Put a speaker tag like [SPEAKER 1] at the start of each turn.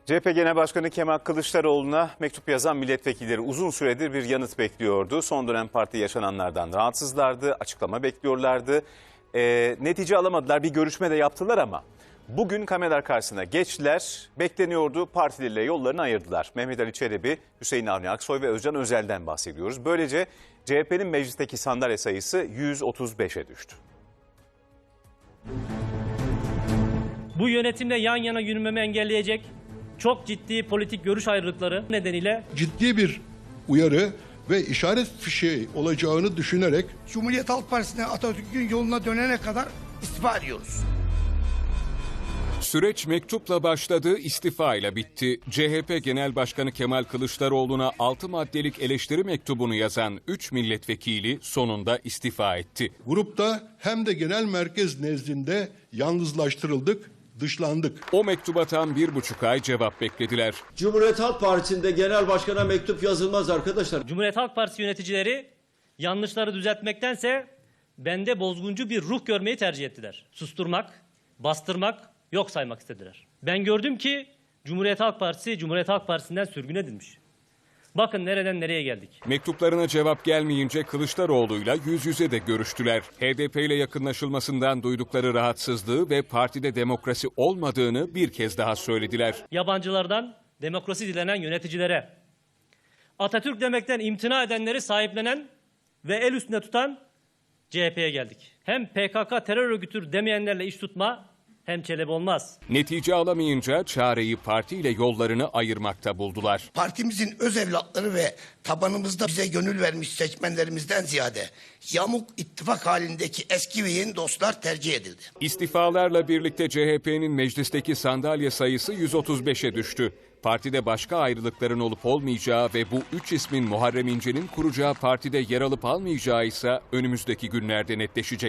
[SPEAKER 1] CHP Genel Başkanı Kemal Kılıçdaroğlu'na mektup yazan milletvekilleri uzun süredir bir yanıt bekliyordu. Son dönem parti yaşananlardan rahatsızlardı, açıklama bekliyorlardı. Netice alamadılar, bir görüşme de yaptılar ama bugün kameralar karşısına geçtiler. Bekleniyordu, partileriyle yollarını ayırdılar. Mehmet Ali Çelebi, Hüseyin Avni Aksoy ve Özcan Özel'den bahsediyoruz. Böylece CHP'nin meclisteki sandalye sayısı 135'e düştü.
[SPEAKER 2] Bu yönetimle yan yana yürümemi engelleyecek çok ciddi politik görüş ayrılıkları nedeniyle
[SPEAKER 3] ciddi bir uyarı ve işaret fişeği olacağını düşünerek
[SPEAKER 4] Cumhuriyet Halk Partisi'ne Atatürk'ün yoluna dönene kadar istifa ediyoruz.
[SPEAKER 5] Süreç mektupla başladı, istifa ile bitti. CHP Genel Başkanı Kemal Kılıçdaroğlu'na 6 maddelik eleştiri mektubunu yazan 3 milletvekili sonunda istifa etti.
[SPEAKER 3] grupta hem de genel merkez nezdinde yalnızlaştırıldık, dışlandık.
[SPEAKER 5] O mektuba tam 1,5 ay cevap beklediler.
[SPEAKER 6] Cumhuriyet Halk Partisi'nde genel başkana mektup yazılmaz arkadaşlar.
[SPEAKER 2] Cumhuriyet Halk Partisi yöneticileri yanlışları düzeltmektense bende bozguncu bir ruh görmeyi tercih ettiler. Susturmak, bastırmak, yok saymak istediler. Ben gördüm ki Cumhuriyet Halk Partisi, Cumhuriyet Halk Partisi'nden sürgün edilmiş. Bakın nereden nereye geldik.
[SPEAKER 5] Mektuplarına cevap gelmeyince Kılıçdaroğlu'yla yüz yüze de görüştüler. HDP ile yakınlaşılmasından duydukları rahatsızlığı ve partide demokrasi olmadığını bir kez daha söylediler.
[SPEAKER 2] Yabancılardan demokrasi dilenen yöneticilere, Atatürk demekten imtina edenleri sahiplenen ve el üstünde tutan CHP'ye geldik. Hem PKK terör örgütüdür demeyenlerle iş tutma hem Çelebi olmaz.
[SPEAKER 5] Netice alamayınca çareyi partiyle yollarını ayırmakta buldular.
[SPEAKER 4] Partimizin öz evlatları ve tabanımızda bize gönül vermiş seçmenlerimizden ziyade yamuk ittifak halindeki eski ve yeni dostlar tercih edildi.
[SPEAKER 5] İstifalarla birlikte CHP'nin meclisteki sandalye sayısı 135'e düştü. Partide başka ayrılıkların olup olmayacağı ve bu 3 ismin Muharrem İnce'nin kuracağı partide yer alıp almayacağı ise önümüzdeki günlerde netleşecek.